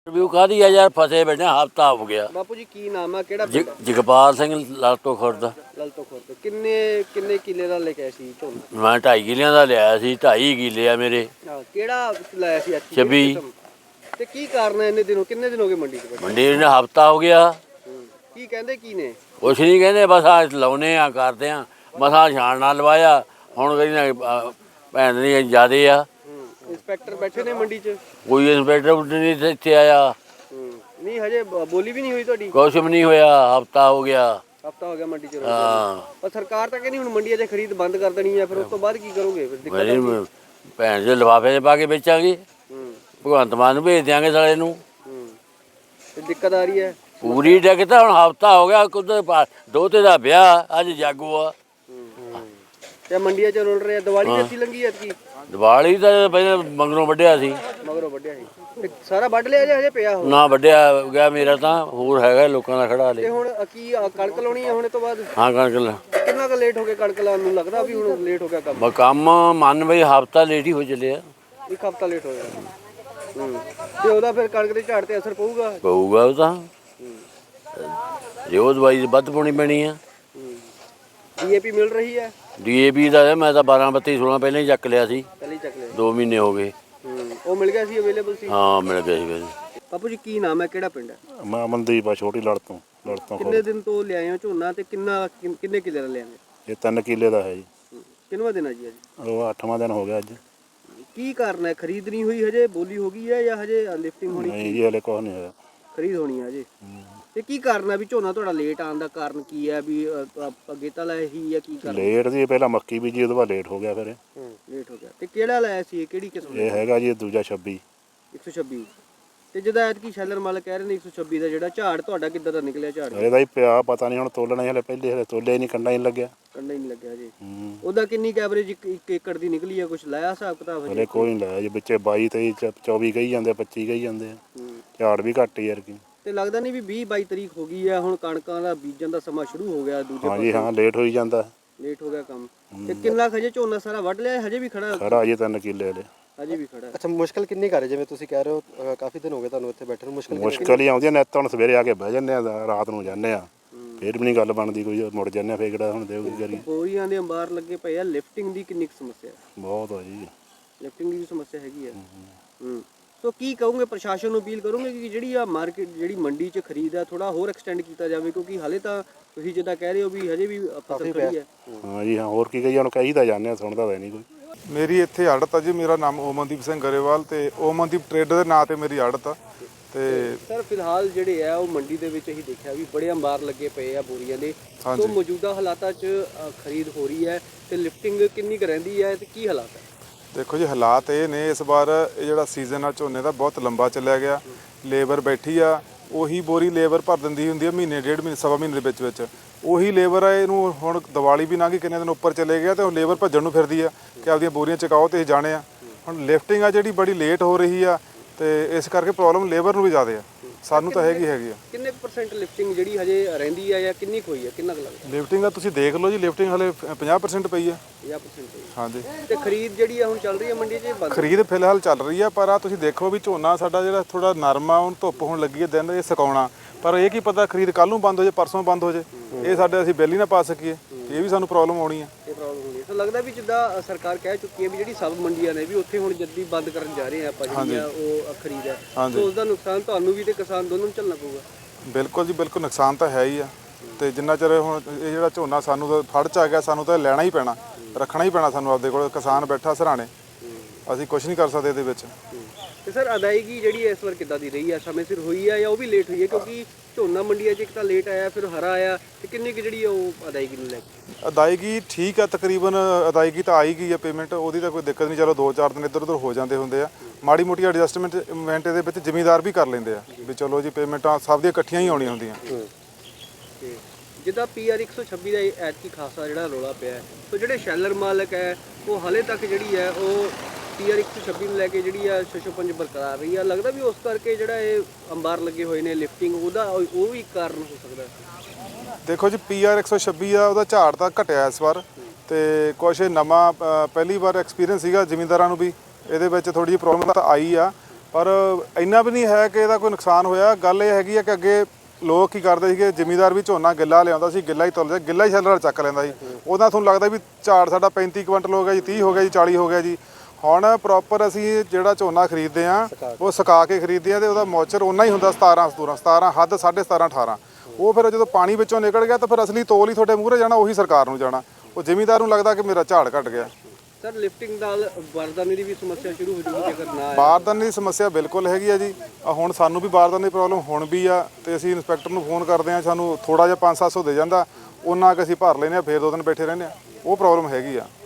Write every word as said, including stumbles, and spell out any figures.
Review ਕਾਹਦੀ ਆ ਯਾਰ, ਫਸੇ ਬੈਠੇ ਹਫਤਾ ਹੋ ਗਿਆ। ਬਾਪੂ ਜੀ ਕੀ ਨਾਮ ਆ, ਕਿਹੜਾ ਜ- ਜਗਪਾਲ ਸਿੰਘ ਲਾਟੋ ਖੁਰਦ। ਲਲਤੋ ਖੁਰਦ। ਕਿੰਨੇ ਕਿੰਨੇ ਕਿੱਲੇ ਦਾ ਲੈ ਕੇ ਆਏ ਸੀ ਝੋਨਾ? ਮੈਂ ਢਾਈ ਕਿੱਲਿਆਂ ਦਾ ਲਿਆਇਆ ਸੀ, ਢਾਈ ਕਿੱਲੇ ਆ ਮੇਰੇ। ਹਾਂ, ਕਿਹੜਾ ਲਾਇਆ ਸੀ ਐਤਕੀ? ਛੱਬੀ। ਤੇ ਕੀ ਕਾਰਨ ਹੈ ਇੰਨੇ ਦਿਨੋਂ, ਕਿੰਨੇ ਦਿਨ ਹੋ ਗਏ ਮੰਡੀ 'ਚ ਬੈਠੇ? ਮੰਡੀ ਨੇ ਹਫਤਾ ਹੋ ਗਿਆ। ਹੂੰ। ਕੀ ਕਹਿੰਦੇ ਕੀ ਨੇ? ਕੁਛ ਨਹੀਂ ਕਹਿੰਦੇ, ਬਸ ਆ ਲਾਉਨੇ ਆ, ਕਰਦੇ ਆ, ਮਸਾਂ ਛਾਣ ਨਾਲ ਲਵਾਇਆ। ਹੁਣ ਕਹਿੰਦੇ ਭੈਣ ਦੀ ਜ਼ਿਆਦੇ ਆ। ਹੂੰ। ਇੰਸਪੈਕਟਰ ਬੈਠੇ ਨੇ ਮੰਡੀ 'ਚ? ਕੋਈ ਇੰਸਪੈਕਟਰ ਨਹੀਂ ਇੱਥੇ ਆਇਆ। ਹੂੰ। ਨਹੀਂ ਹਜੇ ਬ- ਬੋਲੀ ਵੀ ਨਹੀਂ ਹੋਈ ਤੁਹਾਡੀ? ਕੁਛ ਵੀ ਨਹੀਂ ਹੋਇਆ, ਹਫਤਾ ਹੋ ਗਿਆ। ਹਫਤਾ ਹੋ ਗਿਆ ਮੰਡੀ 'ਚ। ਹਾਂ, ਪਰ ਸਰਕਾਰ ਤਾਂ ਕਹਿੰਦੀ ਹੁਣ ਮੰਡੀਆਂ 'ਚ ਖਰੀਦ ਬੰਦ ਕਰ ਦੇਣੀ ਹੈ, ਫਿਰ ਉਸ ਤੋਂ ਬਾਅਦ ਕੀ ਕਰੋਗੇ? ਫਿਰ ਦਿੱਕਤ ਮੇਰੀ ਆਊਗੀ। ਭੈਣ ਦੇ ਲਿਫਾਫੇ 'ਚ ਪਾ ਕੇ ਵੇਚਾਂਗੇ। ਹੂੰ। ਭਗਵੰਤ ਮਾਨ ਨੂੰ ਭੇਜ ਦਿਆਂਗੇ ਸਾਲੇ ਨੂੰ। ਹੂੰ। ਤੇ ਦਿੱਕਤ ਆ ਰਹੀ ਹੈ? ਪੂਰੀ ਡਿੱਗ ਤਾਂ ਹੁਣ ਹਫਤਾ ਹੋ ਗਿਆ। ਕੁਝ ਦੋਤੇ ਦਾ ਵਿਆਹ, ਅੱਜ ਜਾਗੋ ਆ। ਤੇ ਮੰਡੀਆਂ 'ਚ ਰੁਲ ਰਹੇ ਆ। ਦੀਵਾਲੀ ਕਿੱਥੇ ਲੰਗੀ ਐਤਕੀ? ਦੀਵਾਲੀ ਤਾਂ ਪਹਿਲਾਂ ਮੰਗਰੋਂ ਵੱਢਿਆ ਸੀ। ਮਗਰੋਂ ਵੱਢਿਆ ਸੀ ਤੇ ਸਾਰਾ ਵੱਢ ਲਿਆ ਜੇ ਹਜੇ ਪਿਆ ਹੋ? ਨਾ ਵੱਢਿਆ ਗਿਆ ਮੇਰਾ ਤਾਂ, ਹੋਰ ਹੈਗਾ ਲੋਕਾਂ ਦਾ ਖੜਾ ਤੇ ਹਲੇ। ਹੁਣ ਕੀ ਆ, ਕਣਕ ਲਾਉਣੀ ਆ ਹੁਣ ਇਹ ਤੋਂ ਬਾਅਦ? ਹਾਂ ਕਣਕ ਲ- ਕਿੰਨਾ ਕੁ ਲੇਟ ਹੋ ਗਿਆ ਕਣਕ ਲਾਉਣ ਨੂੰ? ਲੱਗਦਾ ਵੀ ਹੁਣ ਲੇਟ ਹੋ ਗਿਆ ਕੰਮ? ਬ- ਕੰਮ ਮੰਨ ਬਈ ਹਫਤਾ ਲੇਟ ਹੀ ਹੋ ਚੱਲਿਆ। ਇੱਕ ਹਫਤਾ ਲੇਟ ਹੋ ਗਿਆ। ਹੂੰ। ਤੇ ਉਹਦਾ ਫਿਰ ਕਣਕ ਦੇ ਝਾੜ ਤੇ ਅਸਰ ਪਊਗਾ? ਪਊਗਾ ਉਹ ਤਾਂ, ਜੇ ਉਹ ਦਵਾਈ ਵੱਧ ਪਾਉਣੀ ਪੈਣੀ ਆ। ਡੀਏਪੀ ਮਿਲ ਰਹੀ ਹੈ? ਡੀਏਪੀ ਦਾ ਮੈਂ ਤਾਂ ਬਾਰਾਂ ਬੱਤੀ ਸੋਲਾਂ ਪਹਿਲਾਂ ਹੀ ਚੱਕ ਲਿਆ ਸੀ, ਪਹਿਲੇ ਹੀ ਚੱਕ ਲਿਆ। ਦੋ ਮਹੀਨੇ ਹੋ ਗਏ। ਹੂੰ। ਉਹ ਮਿਲ ਗਿਆ ਸੀ, ਅਵੇਲੇਬਲ ਸੀ? ਹਾਂ ਮਿਲ ਗਿਆ ਸੀ ਫਿਰ। ਬਾਪੂ ਜੀ ਕੀ ਨਾਮ ਹੈ, ਕਿਹੜਾ ਪਿੰਡ ਹੈ? ਮੈਂ ਅਮਨਦੀਪ ਆ, ਛੋਟੀ ਲੜ ਤੋਂ ਲੜ ਤੋਂ ਕਿੰਨੇ ਦਿਨ ਤੋਂ ਲਿਆਏ ਹੋ ਝੋਨਾ ਤੇ ਕਿੰਨਾ ਕਿੰਨ- ਕਿੰਨੇ ਕਿੱਲੇ ਦਾ ਲਿਆਏ? ਇਹ ਤਿੰਨ ਕਿੱਲੇ ਦਾ ਹੈ ਜੀ। ਕਿੰਨਵਾਂ ਦਿਨ ਹੈ ਜੀ ਅੱਜ? ਉਹ ਅੱਠਵਾਂ ਦਿਨ ਹੋ ਗਿਆ ਅੱਜ। ਕੀ ਕਾਰਨ ਹੈ? ਖਰੀਦ ਨਹੀਂ ਹੋਈ ਹਜੇ, ਬੋਲੀ ਹੋ ਗਈ ਹੈ ਜਾਂ ਹਜੇ ਲਿਫਟਿੰਗ ਹੋਣੀ? ਨਹੀਂ ਜੀ ਹਲੇ ਕੁਛ ਨਹੀਂ ਹੋਇਆ। ਖਰੀਦ ਹੋਣੀ ਹੈ ਹਜੇ। ਤੇ ਕੀ ਕਾਰਨ ਹੈ ਵੀ ਝੋਨਾ ਤੁਹਾਡਾ ਲੇਟ ਆਉਣ ਦਾ ਕਾਰਨ ਕੀ ਹੈ? ਵੀ ਅ, ਅ, ਅੱਗੇ ਤਾਂ ਲਾਇਆ ਹੀ ਹੈ, ਕੀ ਕਾਰਨ? ਲੇਟ ਦੀ ਪਹਿਲਾਂ ਮੱਕੀ ਬੀਜੀ, ਉਹਦੇ ਬਾਅਦ ਲੇਟ ਹੋ ਗਿਆ ਫਿਰ ਇਹ। ਹੂੰ। ਲੇਟ ਹੋ ਗਿਆ। ਤੇ ਕਿਹੜਾ ਲਾਇਆ ਸੀ ਇਹ, ਕਿਹੜੀ ਕਿਸਮ ਦਾ? ਇਹ ਹੈਗਾ ਜੀ ਦੂਜਾ ਛੱਬੀ। ਇੱਕ ਸੌ ਛੱਬੀ। ਤੇ ਜਿਹਦਾ ਐਤਕੀ ਸ਼ੈਲਰ ਮਾਲਕ ਕਹਿ ਰਹੇ ਨੇ ਇੱਕ ਸੌ ਛੱਬੀ ਦਾ ਜਿਹੜਾ ਝਾੜ ਤੁਹਾਡਾ ਕਿੱਦਾਂ ਦਾ ਨਿਕਲਿਆ ਝਾੜ? ਇਹਦਾ ਹੀ ਪਿਆ ਪਤਾ ਨਹੀਂ, ਹੁਣ ਤੋਲਣਾ ਹੀ ਹਲੇ, ਪਹਿਲੇ ਹਲੇ ਤੋਲੇ ਨਹੀਂ, ਕੰਡਾ ਹੀ ਨਹੀਂ ਲੱਗਿਆ। ਕੰਡਾ ਹੀ ਨਹੀਂ ਲੱਗਿਆ ਜੀ। ਹੂੰ। ਉਹਦਾ ਕਿੰਨੀ ਐਵਰੇਜ ਇੱਕ ਏਕੜ ਦੀ ਨਿਕਲੀ ਹੈ? ਕੁਝ ਲਾਇਆ ਹਿਸਾਬ ਕਿਤਾਬ ਹਜੇ? ਹਲੇ ਕੋਈ ਨਹੀਂ ਲਾਇਆ ਜੀ, ਵਿੱਚੇ ਬਾਈ ਤੇਈ ਚ- ਚੌਵੀ ਕਹੀ ਜਾਂਦੇ, ਪੱਚੀ ਕਹੀ ਜਾਂਦੇ ਆ। ਹੂੰ। ਝਾੜ ਵੀ ਘੱਟ ਯਾਰ ਕੀ। ਤੇ ਲੱਗਦਾ ਨਹੀਂ ਵੀ ਵੀਹ ਬਾਈ ਤਰੀਕ ਹੋ ਗਈ ਹੈ, ਹੁਣ ਕਣਕਾਂ ਦਾ ਬੀਜਣ ਦਾ ਸਮਾਂ ਸ਼ੁਰੂ ਹੋ ਗਿਆ ਦੂਜੇ ਹਾਂ ਜੀ ਹਾਂ, ਲੇਟ ਹੋਈ ਜਾਂਦਾ। ਲੇਟ ਹੋ ਗਿਆ ਕੰਮ। ਤੇ ਕਿੰਨਾ ਕੁ ਹਜੇ ਝੋਨਾ ਸਾਰਾ ਵੱਢ ਲਿਆ ਹੈ? ਹਜੇ ਵੀ ਖੜਾ? ਖੜਾ ਜੀ ਤਿੰਨ ਕਿੱਲੇ ਹਲੇ। ਹਜੇ ਵੀ ਖੜਾ ਹੈ। ਅੱਛਾ, ਮੁਸ਼ਕਲ ਕਿੰਨੀ ਕਰ ਜਿਵੇਂ ਤੁਸੀਂ ਕਹਿ ਰਹੇ ਹੋ, ਅ, ਕਾਫੀ ਦਿਨ ਹੋ ਗਏ ਤੁਹਾਨੂੰ ਇੱਥੇ ਬੈਠੇ ਨੂੰ, ਮੁਸ਼ਕਲ ਕਿੰਨੀ- ਮੁਸ਼ਕਲ ਹੀ ਆਉਂਦੀ ਹੈ ਨਿੱਤ। ਹੁਣ ਸਵੇਰੇ ਆ ਕੇ ਬਹਿ ਜੰਨੇ ਆ, ਰਾਤ ਨੂੰ ਜਾਂਦੇ ਆ, ਫਿਰ ਵੀ ਨਹੀਂ ਗੱਲ ਬਣਦੀ ਕੋਈ, ਮੁੜ ਜਾਂਦੇ ਆ ਫੇਰ ਕਿਹੜਾ ਹੁਣ ਦੇਊ ਕੀ ਕਰੀ। ਬੋਰੀਆਂ ਦੇ ਅੰਬਾਰ ਲੱਗੇ ਪਏ ਆ। ਲਿਫਟਿੰਗ ਦੀ ਕਿੰਨੀ ਕੁ ਸਮੱਸਿਆ ਹੈ? ਬਹੁਤ ਆ ਜੀ। ਲਿਫਟਿੰਗ ਦੀ ਵੀ ਸਮੱਸਿਆ ਹੈਗੀ ਹੈ। ਹੂੰ। ਸੋ ਕੀ ਕਹੋਗੇ, ਪ੍ਰਸ਼ਾਸਨ ਨੂੰ ਅਪੀਲ ਕਰੋਗੇ ਕਿ ਜਿਹੜੀ ਆ ਮਾਰਕੀਟ, ਜਿਹੜੀ ਮੰਡੀ 'ਚ ਖਰੀਦ ਹੈ, ਥੋੜਾ ਹੋਰ ਐਕਸਟੈਂਡ ਕੀਤਾ ਜਾਵੇ? ਕਿਉਂਕਿ ਹਾਲੇ ਤਾਂ ਤੁਸੀਂ ਜਿੱਦਾਂ ਕਹਿ ਰਹੇ ਹੋ ਵੀ ਹਜੇ ਵੀ ਫਸਲ ਖੜੀ ਹੈ। ਹਾਂ ਜੀ ਹਾਂ, ਹੋਰ ਕੀ ਕਹੀਏ, ਹੁਣ ਕਹੀ ਤਾਂ ਜਾਂਦੇ ਆ, ਸੁਣਦਾ ਤਾਂ ਨਹੀਂ ਕੋਈ। ਮੇਰੀ ਇੱਥੇ ਆੜਤ ਆ ਜੀ। ਮੇਰਾ ਨਾਮ ਓਮਨਦੀਪ ਸਿੰਘ ਗਰੇਵਾਲ ਤੇ ਓਮਨਦੀਪ ਟਰੇਡਰ ਦੇ ਨਾਂ ਤੇ ਮੇਰੀ ਆੜਤ ਆ। ਤੇ ਸਰ ਫਿਲਹਾਲ ਜਿਹੜੇ ਆ ਉਹ ਮੰਡੀ ਦੇ ਵਿੱਚ ਅਸੀਂ ਦੇਖਿਆ ਵੀ ਬੜੇ ਅੰਬਾਰ ਲੱਗੇ ਪਏ ਆ ਬੋਰੀਆਂ ਦੇ। ਸੋ ਮੌਜੂਦਾ ਹਾਲਾਤਾਂ 'ਚ ਅ, ਖਰੀਦ ਹੋ ਰਹੀ ਹੈ ਤੇ ਲਿਫਟਿੰਗ ਕਿੰਨੀ ਕੁ ਰਹਿੰਦੀ ਹੈ ਤੇ ਕੀ ਹਾਲਾਤ ਹੈ? ਦੇਖੋ ਜੀ, ਹਾਲਾਤ ਇਹ ਨੇ ਇਸ ਵਾਰ ਇਹ ਜਿਹੜਾ ਸੀਜ਼ਨ ਆ ਝੋਨੇ ਦਾ ਬਹੁਤ ਲੰਬਾ ਚੱਲਿਆ ਗਿਆ। ਲੇਬਰ ਬੈਠੀ ਆ, ਉਹੀ ਬੋਰੀ ਲੇਬਰ ਭਰ ਦਿੰਦੀ ਹੁੰਦੀ ਆ ਮਹੀਨੇ ਡੇਢ ਮਹੀਨੇ ਸਵਾ ਮਹੀਨੇ ਦੇ ਵਿੱਚ ਵਿੱਚ। ਉਹੀ ਲੇਬਰ ਆ, ਇਹਨੂੰ ਹੁਣ ਦੀਵਾਲੀ ਵੀ ਲੰਘ ਗਈ, ਕਿੰਨੇ ਦਿਨ ਉੱਪਰ ਚਲੇ ਗਿਆ ਤੇ ਉਹ ਲੇਬਰ ਭੱਜਣ ਨੂੰ ਫਿਰਦੀ ਆ ਕਿ ਆਪਦੀਆਂ ਬੋਰੀਆਂ ਚਕਾਓ ਤੇ ਇਹ ਜਾਣੇ ਆ। ਹੁਣ ਲਿਫਟਿੰਗ ਆ ਜਿਹੜੀ ਬੜੀ ਲੇਟ ਹੋ ਰਹੀ ਆ ਤੇ ਇਸ ਕਰਕੇ ਪ੍ਰੋਬਲਮ ਲੇਬਰ ਨੂੰ ਵੀ ਜ਼ਿਆਦਾ ਆ, ਸਾਨੂੰ ਤਾਂ ਹੈਗੀ ਹੈਗੀ ਆ। ਕਿੰਨੇ ਪਰਸੈਂਟ ਲਿਫਟਿੰਗ ਜਿਹੜੀ ਹਜੇ ਰਹਿੰਦੀ ਆ ਜਾਂ ਕਿੰਨੀ ਕੁ ਹੋਈ ਆ, ਕਿੰਨਾ ਕੁ ਲੱਗਦਾ? ਲਿਫਟਿੰਗ ਆ ਤੁਸੀਂ ਦੇਖ ਲਓ ਜੀ, ਲਿਫਟਿੰਗ ਹਲੇ ਪੰਜਾਹ ਪਰਸੈਂਟ ਪਈ ਆ। ਪੰਜਾਹ ਪਰਸੈਂਟ ਹੋਈ। ਹਾਂਜੀ। ਤੇ ਖਰੀਦ ਜਿਹੜੀ ਆ ਹੁਣ ਚੱਲ ਰਹੀ ਆ ਮੰਡੀ 'ਚ ਬੰਦ? ਖਰੀਦ ਫਿਲਹਾਲ ਚੱਲ ਰਹੀ ਆ, ਪਰ ਆ ਤੁਸੀਂ ਦੇਖੋ ਵੀ ਝੋਨਾ ਸਾਡਾ ਜਿਹੜਾ ਥੋੜਾ ਨਰਮ ਆ, ਹੁਣ ਧੁੱਪ ਹੋਣ ਲੱਗੀ ਹੈ, ਦਿਨ ਇਹ ਸੁਕਾਉਣਾ, ਪਰ ਇਹ ਕੀ ਪਤਾ ਖਰੀਦ ਕੱਲ ਨੂੰ ਬੰਦ ਹੋ ਜੇ, ਪਰਸੋਂ ਬੰਦ ਹੋ ਜੇ, ਇਹ ਸਾਡੇ ਅਸੀਂ ਬਿੱਲ ਹੀ ਨਾ ਪਾ ਸਕੀਏ, ਇਹ ਵੀ ਸਾਨੂੰ ਪ੍ਰੋਬਲਮ ਆਉਣੀ ਆ। ਇਹ ਪ੍ਰੋਬਲਮ ਹੁੰਦੀ ਹੈ। ਸੋ ਲੱਗਦਾ ਵੀ ਜਿੱਦਾਂ ਸਰਕਾਰ ਕਹਿ ਚੁੱਕੀ ਹੈ ਵੀ ਜਿਹੜੀ ਸਬ ਮੰਡੀਆਂ ਨੇ ਵੀ ਉੱਥੇ ਹੁਣ ਜੱਦੀ ਬੰਦ ਕਰਨ ਜਾ ਰਹੇ ਆ ਆਪਾਂ ਜਿਹੜੀਆਂ ਉਹ ਖਰੀਦ ਹੈ, ਸੋ ਉਸ ਦਾ ਨੁਕਸਾਨ ਤੁਹਾਨੂੰ ਵੀ ਤੇ ਕਿਸਾਨ ਦੋਨੋਂ ਨੂੰ ਝੱਲਣਾ ਪਊਗਾ। ਬਿਲਕੁਲ ਜੀ ਬਿਲਕੁਲ, ਨੁਕਸਾਨ ਤਾਂ ਹੈ ਹੀ ਆ। ਤੇ ਜਿੰਨਾ ਚਿਰ ਹੁਣ ਇਹ ਜਿਹੜਾ ਝੋਨਾ ਸਾਨੂੰ ਤਾਂ ਫੜ ਚ ਆ ਗਿਆ, ਸਾਨੂੰ ਤਾਂ ਲੈਣਾ ਹੀ ਪੈਣਾ, ਰੱਖਣਾ ਹੀ ਪੈਣਾ ਸਾਨੂੰ ਆਪਦੇ ਕੋਲ। ਕਿਸਾਨ ਬੈਠਾ ਸਰਾਣੇ, ਅਸੀਂ ਕੁਝ ਨਹੀਂ ਕਰ ਸਕਦੇ ਇਹਦੇ ਵਿੱਚ। ਤੇ ਸਰ ਅਦਾਇਗੀ ਜਿਹੜੀ ਇਸ ਵਾਰ ਕਿੱਦਾਂ ਦੀ ਰਹੀ ਆ? ਸਮੇਂ ਸਿਰ ਹੋਈ ਆ ਜਾਂ ਉਹ ਵੀ ਲੇਟ ਹੋਈ ਹੈ? ਕਿਉਂਕਿ ਝੋਨਾ ਮੰਡੀਆਂ 'ਚ ਇੱਕ ਤਾਂ ਲੇਟ ਆਇਆ, ਫਿਰ ਹਰਾ ਆਇਆ, ਤੇ ਕਿੰਨੀ ਕੁ ਜਿਹੜੀ ਉਹ ਅਦਾਇਗੀ ਨੂੰ ਲੈ ਕੇ? ਅਦਾਇਗੀ ਠੀਕ ਆ, ਤਕਰੀਬਨ ਅਦਾਇਗੀ ਤਾਂ ਆਈ ਗਈ ਆ, ਪੇਮੈਂਟ ਉਹਦੀ ਤਾਂ ਕੋਈ ਦਿੱਕਤ ਨਹੀਂ। ਚਲੋ ਦੋ ਚਾਰ ਦਿਨ ਇੱਧਰ ਉੱਧਰ ਹੋ ਜਾਂਦੇ ਹੁੰਦੇ ਆ, ਮਾੜੀ ਮੋਟੀ ਐਡਜਸਟਮੈਂਟ ਇਵੈਂਟ ਦੇ ਵਿੱਚ ਜ਼ਿਮੀਂਦਾਰ ਵੀ ਕਰ ਲੈਂਦੇ ਆ ਵੀ ਚਲੋ ਜੀ, ਪੇਮੈਂਟਾਂ ਸਭ ਦੀਆਂ ਇਕੱਠੀਆਂ ਹੀ ਆਉਣੀਆਂ ਹੁੰਦੀਆਂ। ਤੇ ਜਿੱਦਾਂ ਪੀ ਆਰ ਇੱਕ ਸੌ ਛੱਬੀ ਦਾ ਐਤਕੀ ਖਾਸਾ ਜਿਹੜਾ ਰੌਲਾ ਪਿਆ ਹੈ, ਸੋ ਜਿਹੜੇ ਸ਼ੈਲਰ ਮਾਲਕ ਹੈ ਉਹ ਹਾਲੇ ਤੱਕ ਜਿਹੜੀ ਹੈ ਉਹ ਪੀ ਆਰ ਇੱਕ ਸੌ ਛੱਬੀ ਨੂੰ ਲੈ ਕੇ ਜਿਹੜੀ ਆ ਛੇ ਸੌ ਪੰਜ ਬਰਕਰਾਰ ਰਹੀ ਆ। ਲੱਗਦਾ ਵੀ ਉਸ ਕਰਕੇ ਜਿਹੜਾ ਇਹ ਅੰਬਾਰ ਲੱਗੇ ਹੋਏ ਨੇ ਲਿਫਟਿੰਗ, ਉਹਦਾ ਉਹ ਵੀ ਕਾਰਨ ਹੋ ਸਕਦਾ? ਦੇਖੋ ਜੀ, ਪੀ ਆਰ ਇੱਕ ਸੌ ਛੱਬੀ ਆ, ਉਹਦਾ ਝਾੜ ਤਾਂ ਘਟਿਆ ਇਸ ਵਾਰ, ਤੇ ਕੁਛ ਨਵਾਂ ਪਹਿਲੀ ਵਾਰ ਐਕਸਪੀਰੀਅੰਸ ਸੀਗਾ ਜ਼ਿਮੀਂਦਾਰਾਂ ਨੂੰ ਵੀ, ਇਹਦੇ ਵਿੱਚ ਥੋੜੀ ਜਿਹੀ ਪ੍ਰੋਬਲਮ ਤਾਂ ਆਈ ਆ। ਪਰ ਇੰਨਾ ਵੀ ਨਹੀਂ ਹੈ ਕਿ ਇਹਦਾ ਕੋਈ ਨੁਕਸਾਨ ਹੋਇਆ। ਗੱਲ ਇਹ ਹੈਗੀ ਆ ਕਿ ਅੱਗੇ ਲੋਕ ਕੀ ਕਰਦੇ ਸੀਗੇ, ਜ਼ਿਮੀਂਦਾਰ ਵੀ ਝੋਨਾ ਗਿੱਲਾ ਲਿਆਉਂਦਾ ਸੀ, ਗਿੱਲਾ ਹੀ ਤੁਲਦਾ, ਗਿੱਲਾ ਹੀ ਸ਼ੈਲਰ ਨਾਲ ਚੱਕ ਲੈਂਦਾ ਸੀ। ਉਹਦਾ ਤੁਹਾਨੂੰ ਲੱਗਦਾ ਵੀ ਝਾੜ ਸਾਡਾ ਪੈਂਤੀ ਕੁਇੰਟਲ ਹੋ ਗਿਆ ਜੀ, ਤੀਹ ਹੋ ਗਿਆ ਜੀ, ਚਾਲੀ ਹੋ ਗਿਆ ਜੀ। ਹੁਣ ਪ੍ਰੋਪਰ ਅਸੀਂ ਜਿਹੜਾ ਝੋਨਾ ਖਰੀਦਦੇ ਆ ਉਹ ਸੁਕਾ ਕੇ ਖਰੀਦਦੇ ਆ ਤੇ ਉਹਦਾ ਮੌਚਰ ਓਨਾ ਹੀ ਹੁੰਦਾ ਸਤਾਰਾਂ ਸਤੂਰਾਂ ਸਤਾਰਾਂ ਹੱਦ ਸਾਢੇ ਸਤਾਰਾਂ ਅਠਾਰਾਂ। ਉਹ ਫਿਰ ਜਦੋਂ ਪਾਣੀ ਵਿੱਚੋਂ ਨਿਕਲ ਗਿਆ ਤਾਂ ਫਿਰ ਅਸਲੀ ਤੋਲ ਹੀ ਤੁਹਾਡੇ ਮੂਹਰੇ ਜਾਣਾ, ਉਹੀ ਸਰਕਾਰ ਨੂੰ ਜਾਣਾ। ਉਹ ਜ਼ਿਮੀਂਦਾਰ ਨੂੰ ਲੱਗਦਾ ਕਿ ਮੇਰਾ ਝਾੜ ਘਟ ਗਿਆ। ਸਰ ਲਿਫਟਿੰਗ ਨਾਲ ਬਾਰਦਾਨੇ ਦੀ ਵੀ ਸਮੱਸਿਆ ਸ਼ੁਰੂ ਹੋ ਜੂਗੀ ਜੇਕਰ ਨਾ ਆਇਆ। ਬਾਰਦਾਨੇ ਦੀ ਸਮੱਸਿਆ ਬਿਲਕੁਲ ਹੈਗੀ ਆ ਜੀ। ਆ ਹੁਣ ਸਾਨੂੰ ਵੀ ਬਾਰਦਾਨੇ ਦੀ ਪ੍ਰੋਬਲਮ ਹੁਣ ਵੀ ਆ ਤੇ ਅਸੀਂ ਇੰਸਪੈਕਟਰ ਨੂੰ ਫੋਨ ਕਰਦੇ ਆ, ਸਾਨੂੰ ਥੋੜਾ ਜਿਹਾ ਪੰਜ ਸੱਤ ਸੌ ਦੇ ਜਾਂਦਾ, ਉਹਨਾਂ ਕਿ ਅਸੀਂ ਭਰ ਲੈਂਦੇ ਆ, ਫਿਰ ਦੋ ਦਿਨ ਬੈਠੇ ਰਹਿੰਦੇ ਆ। ਉਹ ਪ੍ਰੋਬਲਮ ਹੈਗੀ ਆ।